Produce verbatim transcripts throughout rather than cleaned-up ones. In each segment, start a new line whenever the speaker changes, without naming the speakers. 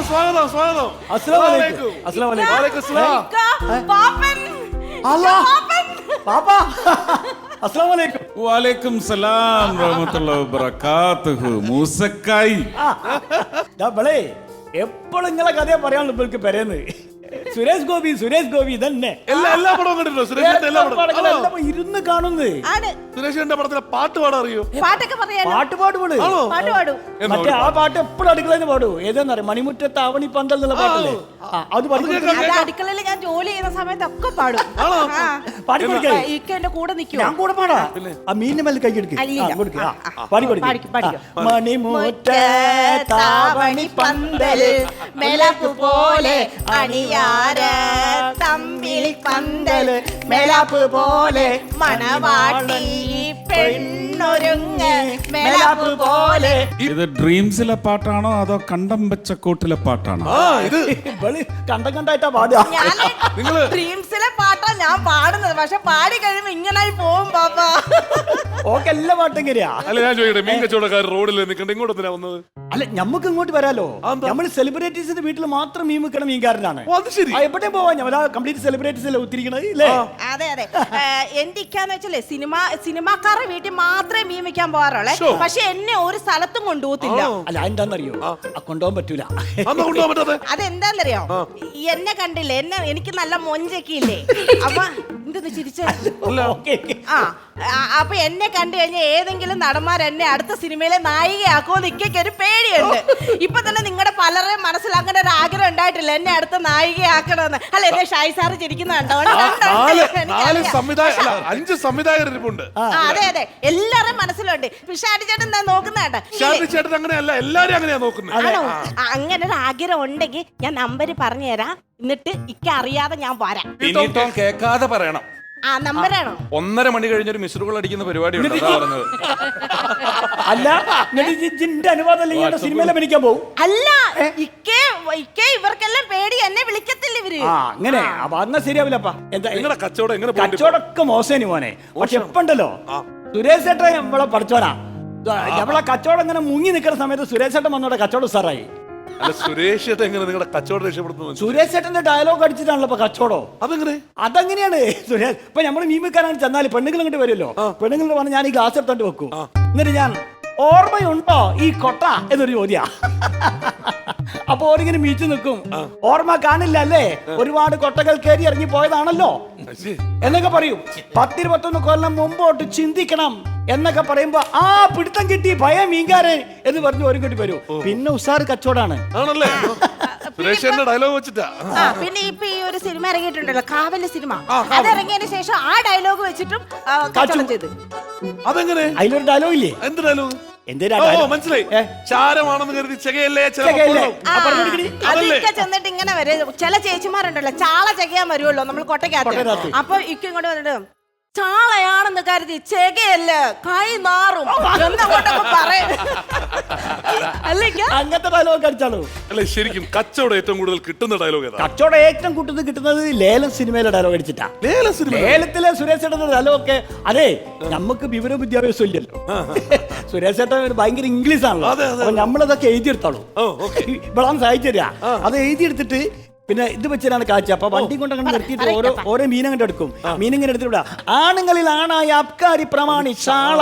സ്വാഗതം സ്വാഗതം.
അസ്സലാമു അലൈക്കും. അസ്സലാമു അലൈക്കും.
വലൈക്കും സലാം.
പാപ്പൻ
അല്ലാ പാപ്പ അസ്സലാമു അലൈക്കും.
വലൈക്കും സലാം റഹ്മത്തുള്ളാഹി വബറകാതുഹു. മൂസക്കായി
എപ്പോഴും നിങ്ങളെ കഥയെ പറയാനുള്ള ഇവർക്ക് പെരേന്ന് സുരേഷ് ഗോപി സുരേഷ് ഗോപി തന്നെ
എല്ലാ എല്ലാ പടവും കണ്ടിട്ടുണ്ടോ? സുരേഷിന്റെ എല്ലാ പടവും
ഇരുന്ന് കാണുന്നത്.
സുരേഷിന്റെ പടത്തിലെ പാട്ട് പാടാൻ അറിയോ?
പാട്ടൊക്കെ പറയാലോ.
പാട്ട് പാടുപോള്
പാട്ട് പാടും.
മറ്റേ ആ പാട്ട് എപ്പോഴും അടുക്കളയിൽ പാടൂ. ഏതാന്നറിയാം, മണിമുറ്റത്ത് ആവണി പന്തൽ എന്നുള്ള പാട്ടല്ലേ, അത്
അടുക്കളയിൽ ഞാൻ ജോലി ചെയ്യുന്ന സമയത്തൊക്കെ പാടും.
പാടി കൊടുക്കേ.
ഇക്ക എന്റെ കൂടെ നിൽക്കും.
ഞാൻ കൂടെ പാടാ. ആ മീനിന്റെ മേലെ കൈ എടുക്കുക. പാടി കൊടുക്കും.
മണിമുറ്റാവണി പന്തൽ മെലപ്പ് പോലെ അണിയാര തമ്മിൽ പന്തൽ മെലപ്പ് പോലെ മണവാട്ടി പെണ്ണൊരുങ്ങ് മെലപ്പ് പോലെ.
ഇത് ഡ്രീംസിലെ പാട്ടാണോ അതോ കണ്ടം വെച്ച കോട്ടിലെ പാട്ടാണോ?
കണ്ടം കണ്ടായിട്ടാ പാടുക.
ഞാൻ ഡ്രീംസിലെ പാട്ടാ ഞാൻ പാടുന്നത്. പക്ഷെ പാടി കഴിയുമ്പോ ഇങ്ങനായി പോവും പാപ്പ.
ഓക്കെ, എല്ലാ പാട്ടും കയറിയാ.
അല്ല ഞാൻ ചോദിക്കട്ടെ, മീൻ കച്ചവടക്കാർ റോഡിൽ നിൽക്കണ്ട ഇങ്ങോട്ട് എന്തിനാ വന്നത്?
അല്ല, ഞമ്മക്ക് ഇങ്ങോട്ട് വരാലോ. നമ്മൾ സെലിബ്രിറ്റീസിന്റെ വീട്ടിൽ മാത്രം മീൻ വെക്കണ മീൻകാരനാണ്.
ശരി,
എവിടെ പോവാ? ഞാൻ കംപ്ലീറ്റ് സെലിബ്രിറ്റീസ് അല്ലേ ഒത്തിരിക്കണത് ഇല്ലേ?
അതെ അതെ. എന്റെ ഇക്കാന്ന് വെച്ചാലേ സിനിമ സിനിമാക്കാരുടെ വീട്ടിൽ മാത്രമേ മീൻ വെക്കാൻ പോകാറുള്ളേ. പക്ഷെ എന്നെ ഒരു സ്ഥലത്തും കൊണ്ടുപോകത്തില്ല.
അല്ല, എന്താന്നറിയോ, കൊണ്ടുപോകാൻ പറ്റൂല.
അതെന്താന്നറിയോ, എന്നെ കണ്ടില്ലേ, എന്നെ എനിക്ക് നല്ല മൊഞ്ചൊക്കെ ഇല്ലേ. അപ്പൊ എന്തെന്ന് ചിരിച്ച ആ അപ്പൊ എന്നെ കണ്ടു കഴിഞ്ഞാൽ ഏതെങ്കിലും നടന്മാർ എന്നെ അടുത്ത സിനിമയിലെ നായികയാക്കുമോ നിക്കൊക്കെ ഒരു പേടിയുണ്ട്. ഇപ്പൊ തന്നെ നിങ്ങളുടെ പലരെയും മനസ്സിലാക്കേണ്ട ഒരു ആഗ്രഹം ഉണ്ടായിട്ടില്ല എന്നെ അടുത്ത നായികയാക്കണമെന്ന്. അല്ല, എന്നെ ഷായി സാറ് ചിരിക്കുന്നുണ്ടോ?
അഞ്ച് സംവിധായകരുണ്ട്.
അതെ അതെ, എല്ലാരും മനസ്സിലുണ്ട്. ഷാഡി ചേട്ടൻ എന്താ നോക്കുന്നേട്ടാ?
ചേട്ടൻ അങ്ങനെയല്ല, എല്ലാരും അങ്ങനെയാ നോക്കുന്നത്.
അങ്ങനെ ഒരു ആഗ്രഹം ഉണ്ടെങ്കിൽ ഞാൻ നമ്പര് പറഞ്ഞു തരാം. എന്നിട്ട് ഇക്ക അറിയാതെ ഞാൻ വരാം.
കേൾക്കാതെ പറയണം.
ആ നമ്പറാണോ?
ഒന്നര മണി കഴിഞ്ഞൊരു മിസ്ഡ് കോൾ അടിക്കുന്ന പരിപാടി പറഞ്ഞത്.
അല്ല, അനുവാദം സിനിമയിൽ അഭിനയിക്കാൻ പോകും.
അല്ല, ഇക്കേ ഇക്കേ ഇവർക്കെല്ലാം പേടി, എന്നെ വിളിക്കത്തില്ല ഇവര്.
അങ്ങനെ അപ്പൊ അന്ന ശരിയാവില്ലപ്പാ. എന്താ
നിങ്ങളുടെ കച്ചവടം എങ്ങനെ?
കച്ചവടമൊക്കെ മോശം മോനെ. പക്ഷെ എപ്പുണ്ടല്ലോ സുരേഷ് ചേട്ടൻ നമ്മളെ പഠിച്ചോനാ. നമ്മളെ കച്ചവടം ഇങ്ങനെ മുങ്ങി നിൽക്കുന്ന സമയത്ത് സുരേഷ് ചേട്ടൻ വന്നോടെ കച്ചവടം സാറായി.
അല്ല, സുരേഷ് ചേട്ടൻ എങ്ങനെ നിങ്ങളുടെ കച്ചവടം രക്ഷപ്പെടുത്തുന്നു?
സുരേഷ് ചേട്ടന്റെ ഡയലോഗ് അടിച്ചിട്ടാണല്ലോ ഇപ്പൊ കച്ചവടം.
അതെങ്ങനെ?
അതങ്ങനെയാണ് സുരേഷ്. ഇപ്പൊ നമ്മള് മീൻ വെക്കാനാണ് ചെന്നാല് പെണ്ണുങ്ങൾ ഇങ്ങോട്ട് വരുമല്ലോ. പെണ്ണുങ്ങൾ പറഞ്ഞ് ഞാൻ ഈ ഗ്ലാസ് എടുത്തോണ്ട് വെക്കും. എന്നിട്ട് ഞാൻ ഓർമ്മയുണ്ടോ ഈ കൊട്ട എന്നൊരു ചോദ്യ. അപ്പൊ ഓരിങ്ങനെ മീച്ചു നിൽക്കും. ഓർമ്മ കാണില്ല അല്ലേ, ഒരുപാട് കൊട്ടകൾ കയറി ഇറങ്ങി പോയതാണല്ലോ എന്നൊക്കെ പറയും. പത്തിരുപത്തൊന്ന് കൊല്ലം മുമ്പോട്ട് ചിന്തിക്കണം എന്നൊക്കെ പറയുമ്പോ ആ പിടുത്തം കിട്ടി ഭയ മീൻകാരൻ എന്ന് പറഞ്ഞു ഒരു കിട്ടി വരും. പിന്നെ ഉസാറ് കച്ചവടാണ്.
ഡയലോഗ് വെച്ചിട്ടാ.
പിന്നെ ഇപ്പൊ ഈ ഒരു സിനിമ ഇറങ്ങിയിട്ടുണ്ടല്ലോ, കാവല് സിനിമ. അത് ഇറങ്ങിയതിനു ശേഷം ആ ഡയലോഗ് വെച്ചിട്ടും കച്ചവടം ചെയ്ത്.
അതെങ്ങനെ? അതിലൊരു ഡയലോഗ് ഇല്ലേ?
എന്ത് ഡയലോഗ്?
മനസ്സിലായി.
ചാരമാണെന്ന് കരുതി ചെകയല്ലേ
അതൊക്കെ ചെന്നിട്ട് ഇങ്ങനെ വരും. ചില ചേച്ചിമാരുണ്ടല്ലോ ചാള ചെകയാൻ വരുമല്ലോ നമ്മൾ കൊട്ടയ്ക്കകത്ത്. അപ്പൊ ഇക്ക ഇങ്ങോട്ട് വന്നിട്ട് ചാളയാണെന്ന് കരുതി ചെകയല്ല കൈ നാറും എന്നങ്ങോട്ടൊക്കെ പറയും.
അങ്ങനത്തെ ഡയലോഗ് അടിച്ചാലോ?
അല്ല, ശരിക്കും കച്ചവടം ഏറ്റവും കൂടുതൽ കിട്ടുന്ന ഡയലോഗ് ഏതാ?
കച്ചവടം ഏറ്റവും കൂടുതൽ കിട്ടുന്നത് ലേലം സിനിമയിലെ ഡയലോഗ് അടിച്ചിട്ടാ.
ലേലം സിനിമ,
ലേലത്തിലെ സുരേഷ് ചേട്ടന്റെ ഡയലോഗ് ഒക്കെ. അതെ, നമുക്ക് വിവര വിദ്യാഭ്യാസം ഇല്ലല്ലോ. സുരേഷ് ചേട്ടൻ ഭയങ്കര ഇംഗ്ലീഷ് ആണല്ലോ. അപ്പൊ നമ്മളതൊക്കെ എഴുതിയെടുത്തോളൂ. ഇവളാണ് സഹായിച്ചു തരാ. അത് എഴുതിയെടുത്തിട്ട് പിന്നെ ഇത് വെച്ചിട്ടാണ് കാഴ്ച. അപ്പൊ വണ്ടി കൊണ്ട് അങ്ങനെ നിർത്തിയിട്ട് ഓരോ ഓരോ മീനങ്ങോട്ട് എടുക്കും. മീനിങ്ങനെ എടുത്തിട്ട് വിടാ. ആണുങ്ങളിൽ ആണായ അബ്കാരി പ്രമാണി ചാള.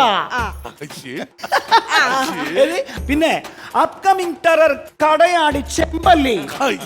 പിന്നെ അപ്കമിങ് ടെറർ കടയാടി ചെമ്പല്ലി.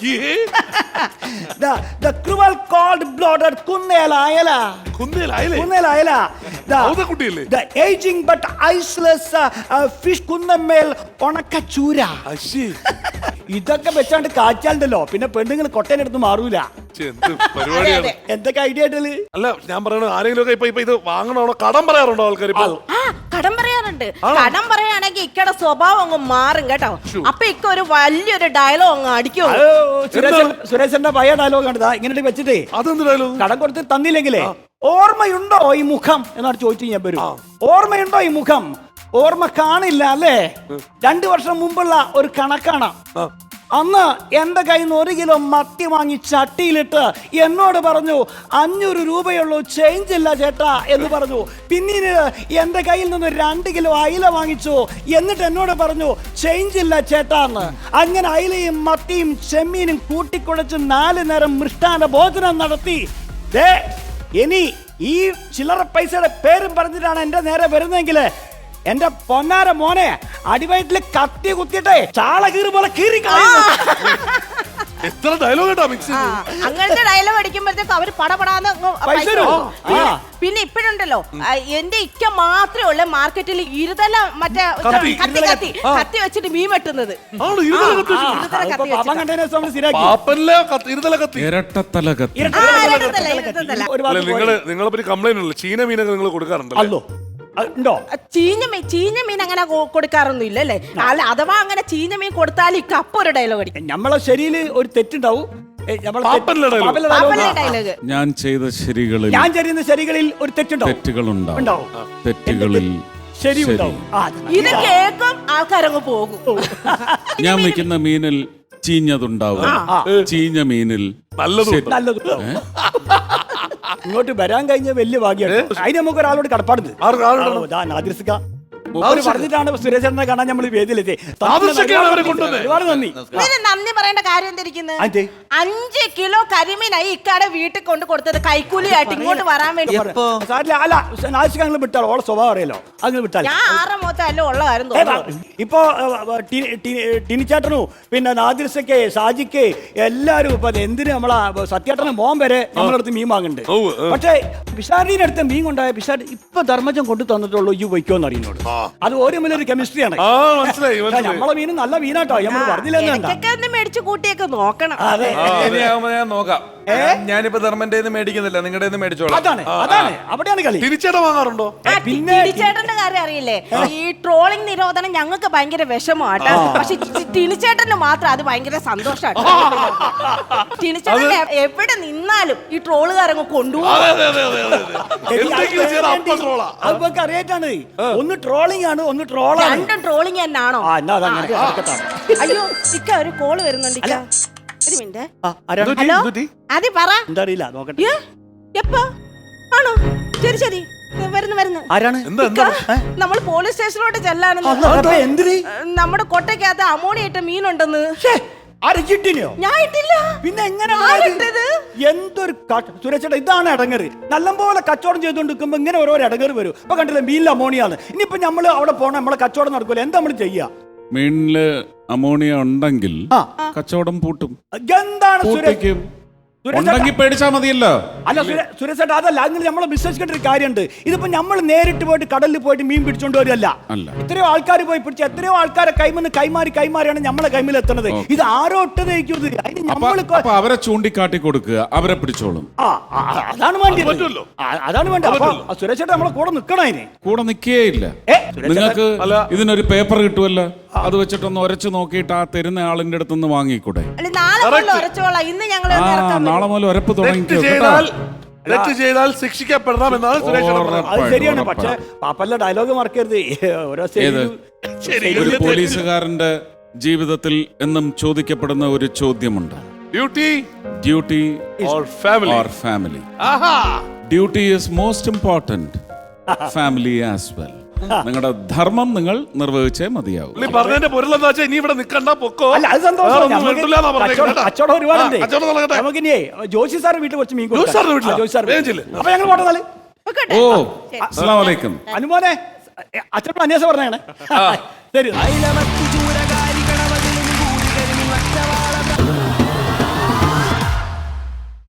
The cruel cold blooded കുന്നേല അയല.
കുന്നേല അയല.
കുന്നേല അയല. The aging but iceless fish കുന്നമേൽ ഉണക്കച്ചൂര. ഇതൊക്കെ വെച്ചാണ്ട് കാച്ചാലുണ്ടല്ലോ പിന്നെ പെണ്ണുങ്ങൾ കൊട്ടേനെടുത്ത് മാറൂല. എന്തൊക്കെ ഐഡിയ ആയിട്ടല്ലേ?
അല്ല, ഞാൻ പറയണ ആരെങ്കിലും ഒക്കെ ഇപ്പൊ ഇത് വാങ്ങണോ കടം പറയാറുണ്ടോ ആൾക്കാർ?
കടം പറയാറുണ്ട്. കടം പറയാണെങ്കിൽ ഇക്കടെ സ്വഭാവം അങ്ങ് മാറും കേട്ടോ. അപ്പൊ ഇക്ക ഒരു വലിയൊരു ഡയലോഗ് അങ്ങ് അടിക്കും.
സുരേഷന്റെ പഴയ ഡയലോഗ് കണ്ടതാ ഇങ്ങനെ വെച്ചിട്ടേ.
അതെന്ത് ഡയലോഗ്?
കടം കൊടുത്ത് തന്നില്ലെങ്കിലേ ഓർമ്മയുണ്ടോ ഈ മുഖം എന്നാണ് ചോദിച്ചു ഞാൻ വരും. ഓർമ്മയുണ്ടോ ഈ മുഖം? ഓർമ്മ കാണില്ല അല്ലേ? രണ്ടു വർഷം മുമ്പുള്ള ഒരു കണക്കാണ്. അന്ന് എൻ്റെ കയ്യിൽ നിന്ന് ഒരു കിലോ മത്തി വാങ്ങി ചട്ടിയിലിട്ട് എന്നോട് പറഞ്ഞു അഞ്ഞൂറ് രൂപയുള്ളൂ ചേഞ്ച് ഇല്ല ചേട്ടാ എന്ന് പറഞ്ഞു. പിന്നീട് എൻ്റെ കയ്യിൽ നിന്ന് രണ്ട് കിലോ അയില വാങ്ങിച്ചു. എന്നിട്ട് എന്നോട് പറഞ്ഞു ചേഞ്ച് ഇല്ല ചേട്ടാ എന്ന്. അങ്ങനെ അയിലയും മത്തിയും ചെമ്മീനും കൂട്ടിക്കുഴച്ച് നാല് നേരം മൃഷ്ടാന ഭോജനം നടത്തി. ദേ ഇനി ഈ ചില്ലറ പൈസയുടെ പേരും പറഞ്ഞിട്ടാണ് എൻ്റെ നേരെ വരുന്നതെങ്കിൽ എന്റെ പൊന്നാര മോനെ അടിവയറ്റില് കത്തി കുത്തിട്ടെ ചാള കീറി പോലെ കീറി
എത്ര ഡയലോഗ് കേട്ടോ മിക്സ്
ആ, അങ്ങനത്തെ ഡയലോഗ് അടിക്കുമ്പോഴത്തേക്ക് അവര് പടപടാന്ന് അങ്ങ്
പൈസ
പൈസ
തരുമോ?
കൊടുക്കും. പിന്നെ-
ആ.
പിന്നെ ഇപ്പോഴുണ്ടല്ലോ എന്റെ ഇക്ക മാത്രമേ ഉള്ളു മാർക്കറ്റിൽ ഇരുതല മറ്റേ
കത്തി,
കത്തി കത്തി കത്തി വെച്ചിട്ട് മീൻ വെട്ടുന്നത്.
ആണോ ഇരുതല കത്തി വെച്ചു?
ഇരുതല കത്തി
പാപ്പം
വെച്ചിട്ടാ.
കണ്ടതിനെ നമ്മൾ സ്ഥിരാക്കി.
പാപ്പനിലെ കത്തി- ഇരുതല കത്തി
ഇരട്ടത്തല കത്തി.
ഇരട്ട
ആ,
തല
ഇരട്ടത്തല,
കത്തി,
ഇരട്ടത്തല.
ഒരു
അല്ല
ഭാഗത്ത്
നിങ്ങള് നിങ്ങളെ പറ്റി കംപ്ലൈന്റ് ഉള്ളു ചീന മീനൊക്കെ നിങ്ങൾ കൊടുക്കാറുണ്ടല്ലോ.
അല്ലോ അത് ഉണ്ടോ?
ആ, ചീഞ്ഞ മീൻ ചീഞ്ഞ മീൻ അങ്ങനെ കൊ- കൊടുക്കാറൊന്നും ഇല്ല അല്ലേ? അല്ല അഥവാ അങ്ങനെ ചീഞ്ഞ മീൻ കൊടുത്താൽ ഇക്ക അപ്പൊ ഒരു ഡയലോഗ് അടിക്കും.
നമ്മളെ ശരിയിൽ ഒരു തെറ്റുണ്ടാവും. ഏ, നമ്മളെ തെറ്റ്-
പാപ്പനിലെ dialogue.
പാപ്പനിലെ dialogue.
പാപ്പനിലെ ഡയലോഗ്.
ഞാൻ ചെയ്ത ശരികളിൽ
ഞാൻ ചെയ്യുന്ന ശരികളിൽ ഒരു തെറ്റുണ്ടാവും.
തെറ്റുകളുണ്ടാവും.
ഉണ്ടാവും.
തെറ്റുകളിൽ
ശരി
ശരി.
ഉണ്ടാവും. ആ,
ഇത് കേൾക്കും ആൾക്കാരങ്ങ് പോകും.
ഞാൻ വെക്കുന്ന മീനിൽ ചീഞ്ഞതുണ്ടാവും. ചീഞ്ഞ മീനിൽ
നല്ലതും
ശരി.
നല്ലത് ഇങ്ങോട്ട് വരാൻ കഴിഞ്ഞ വലിയ ഭാഗ്യമാണ്. അതിന് നമുക്ക് ഒരാളോട് കടപ്പാടുണ്ട്.
ആർക്ക് ആരുണ്ടാവും?
ആ, നാദിർസിക്ക. മൂപ്പര് പറഞ്ഞിട്ടാണ് സുരേഷനെ കാണാൻ നമ്മൾ വേദിയിലെത്തി.
നാദിർസിക്കയാണ് അവരെ കൊണ്ടുവന്നത്.
ഒരുപാട് നന്ദി.
ഇതിന് നന്ദി പറയേണ്ട കാര്യം എന്തിരിക്കുന്നത്?
അതെ.
അഞ്ച് കിലോ കരിമീനായി ഇക്കാടെ വീട്ടിൽ കൊണ്ട് കൊടുത്തത് കൈക്കൂലിയായിട്ട് ഇങ്ങോട്ട് വരാൻ വേണ്ടി.
സാരില്ല, അല്ല നാദിർസിക്ക നിങ്ങൾ വിട്ടാൽ ഓളെ സ്വഭാവം അറിയാലോ. അങ്ങനെ വിട്ടാൽ
ഞാൻ ആറ് മൊത്തം ഉള്ള കാര്യം
ഏ, വാ.
തോന്നുന്നു.
ഇപ്പൊ ഏ, ടി- ടി- ടിനിച്ചേട്ടനും പിന്നെ നാദിർസക്ക് സാജിക്ക് എല്ലാരും ഇപ്പൊ എന്തിന് നമ്മളാ സത്യേട്ടനും മോൻ വരെ നമ്മളടുത്ത് മീൻ വാങ്ങുന്നുണ്ട്.
ഉവ്വ്, ഉവ്വ്.
പക്ഷേ പിഷാരിന്റെ അടുത്ത് മീൻ കൊണ്ടായ പിഷാരി ഇപ്പൊ ധർമ്മജം കൊണ്ടു തന്നിട്ടുള്ളൂ ഈ വയ്ക്കോന്ന് അറിയുന്നോട്. അത് ഓരോ ഒരു കെമിസ്ട്രിയാണ്.
ആ മനസ്സിലായി മനസ്സിലായി.
നമ്മളെ മീൻ നല്ല മീനാട്ടോ നമ്മൾ പറഞ്ഞില്ലെന്ന് വേണ്ട.
ഇടയ്ക്കൊക്കെ ഒന്ന് മേടിച്ച് കൂട്ടിയൊക്കെ നോക്കണം.
അതെ
ആ, ഇനിയാവുമ്പോ ഞാൻ നോക്കാം. ഞാനിപ്പോ ധർമ്മന്റെ മേടിക്കുന്നില്ല, നിങ്ങളുടെ മേടിച്ചോളാം.
അതാണ് അതാണ് അവിടെയാണ് കളി.
തിരിച്ചേട്ട വാങ്ങാറുണ്ടോ?
ആ,
പിന്നെ
ടിനിച്ചേട്ടന്റെ കാര്യം അറിയില്ലേ? ഈ ട്രോളിംഗ് നിരോധനം ഞങ്ങൾക്ക് ഭയങ്കര വിഷമമാട്ടോ. പക്ഷെ ടി- ടിനിച്ചേട്ടന് മാത്രം അത് ഭയങ്കര സന്തോഷാട്ടോ. ടിനിച്ചേട്ടൻ എ- എവിടെ നിന്നാലും ഈ ട്രോളുകാരങ്ങ് കൊണ്ടുപോകും.
അതെ അതെ അതെ അതെ അതെ. എന്തെങ്കിലും ചെയ്താൽ അപ്പം ട്രോളാ.
അതൊക്കെ അറിയാറ്റാണ്. ഒന്ന് ട്രോളിംഗ് ആണ്, ഒന്ന് ട്രോളാണ്.
രണ്ടും ട്രോളിംഗ് തന്നെയാണോ?
ആ എന്നാ അതങ്ങനെ നടക്കട്ടെ.
അയ്യോ ഇക്ക ഒരു കോള് വരുന്നുണ്ട് ഇക്ക. ഒരു മിനിറ്റ്.
ആ, ആരാണ്?
എന്തുപറ്റി?
ഹലോ
എന്തുപറ്റി?
അതെ പറ.
എന്താ അറിയില്ല, നോക്കട്ടെ.
ഏ? എപ്പോ ആണോ? ശരി ശരി ഏ, വരുന്നു വരുന്നു.
ആരാണ്?
എന്താ എന്താ?
നമ്മൾ പോലീസ് സ്റ്റേഷനിലോട്ട് ചെല്ലാനെന്ന്.
അല്ല, അപ്പൊ എന്തിന്?
നമ്മുടെ കൊട്ടയ്ക്കകത്ത് അമോണിയ ഇട്ട മീനുണ്ടെന്ന്.
അരച്ചിട്ടിനെയോ?
ഞാൻ ഇട്ടില്ല.
പിന്നെ എങ്ങനെ
ആരിട്ടത്?
എന്തൊരു സുരക്ഷ. ഇതാണ് ഇടങ്ങറ്. നല്ലപോലെ കച്ചവടം ചെയ്തുകൊണ്ടിരിക്കുമ്പോ ഇങ്ങനെ ഓരോ ഇടങ്ങറ് വരും. ഇപ്പൊ കണ്ടില്ലേ മീനിൽ അമോണിയാണ്. ഇനിയിപ്പോ നമ്മള് അവിടെ പോകണം, നമ്മളെ കച്ചവടം നടക്കൂല. എന്താ നമ്മൾ ചെയ്യാ?
മീനില് അമോണിയ ഉണ്ടെങ്കിൽ
ആ.
കച്ചവടം പൂട്ടും.
എന്താണ് സുരേഷ്?
പൂട്ടിക്കും.
സുരേഷ്
ഉണ്ടെങ്കിൽ പേടിച്ചാ മതിയല്ലോ.
അല്ല സുരേഷ് അതല്ല, അങ്ങനെ നമ്മൾ വിശ്വസിക്കേണ്ട ഒരു കാര്യമുണ്ട്. ഇതിപ്പോ നമ്മൾ നേരിട്ട് പോയിട്ട് കടലിൽ പോയിട്ട് മീൻ പിടിച്ചോണ്ട് വരില്ല.
അല്ല.
എത്രയോ ആൾക്കാർ പോയി പിടിച്ച എത്രയോ ആൾക്കാരെ കൈമെന്ന് കൈമാറി കൈമാറിയാണ് നമ്മളെ കൈമിൽ എത്തുന്നത്. ഇത് ആരോ ഇട്ടതേക്കുന്നത്. അതിന്
അപ്പൊ
നമ്മൾ
അപ്പൊ അവരെ ചൂണ്ടിക്കാട്ടി കൊടുക്കുക, അവരെ പിടിച്ചോളും.
ആ ആ, അതാണ് വേണ്ടത്.
പറ്റുമല്ലോ.
ആ, അതാണ് വേണ്ടത്. അപ്പൊ സുരേഷേട്ട നമ്മളെ കൂടെ നിക്കണം അതിന്.
കൂടെ നിൽക്കേയില്ല.
ഏ, സുരേഷ്
നിങ്ങൾക്ക്
അല്ല.
ഇതിനൊരു പേപ്പർ കിട്ടുമല്ലോ, അത് വെച്ചിട്ടൊന്ന് ഉരച്ചു നോക്കിയിട്ട് ആ തരുന്ന ആളിന്റെ അടുത്ത് നിന്ന് വാങ്ങിക്കൂടെ?
അല്ല നാളെ മുതൽ ഉറച്ചോളാം. ഇന്ന് ഞങ്ങൾ
ആ
ഇറക്കാൻ
നാളെ മുതൽ ഉരപ്പ്
തെറ്റ്
തുടങ്ങിക്കോ കേട്ടോ.
ചെയ്താൽ തെറ്റ് ചെയ്താൽ ശിക്ഷിക്കപ്പെടണം എന്നാണ് സുരേഷ് പറഞ്ഞത്.
അത് ശരിയാണ്. പക്ഷെ പാപ്പല്ല ഡയലോഗ് മറക്കരുത്. ഓരോ
ഏത്?
ശരി.
ഒരു പോലീസുകാരന്റെ ജീവിതത്തിൽ എന്നും ചോദിക്കപ്പെടുന്ന ഒരു ചോദ്യമുണ്ട്.
Duty
duty
or family?
Or family?
ആഹാ.
Duty is most important, family as well. നിങ്ങളുടെ ധർമ്മം നിങ്ങൾ നിർവഹിച്ചേ മതിയാവും.
പുള്ളി പറഞ്ഞതിന്റെ പൊരുളെന്താ വെച്ചാൽ ഇനി ഇവിടെ നിക്കണ്ട, പൊക്കോ.
അല്ല അത് സന്തോഷം.
വേറൊന്നും
നമുക്ക്
വേണ്ടില്ലാന്നാ പറഞ്ഞേക്കുന്നത്
കച്ചവടം-
കേട്ടോ.
കച്ചവടം ഒരുപാടുണ്ട്.
ആ, കച്ചവടം നടക്കട്ടെ.
നമുക്കിനിയേ ജോഷി സാറിന്റെ വീട്ടിൽ കുറച്ച് മീൻ കൊടുക്കാം.
ജോഷി സാറിന്റെ വീട്ടിലാ?
ആ, ജോഷി സാറിന്റെ
വേഗം
വീട്ടിൽ.
ചെല്ല്.
അപ്പൊ ഞങ്ങൾ പോട്ടെന്നാല്.
വെക്കട്ടെ?
ഓ
ശരി.
അസ്സലാമു അലൈക്കും.
അനുമോനെ അച്ഛനോട് അന്വേഷണം പറഞ്ഞാണ്. ശരി.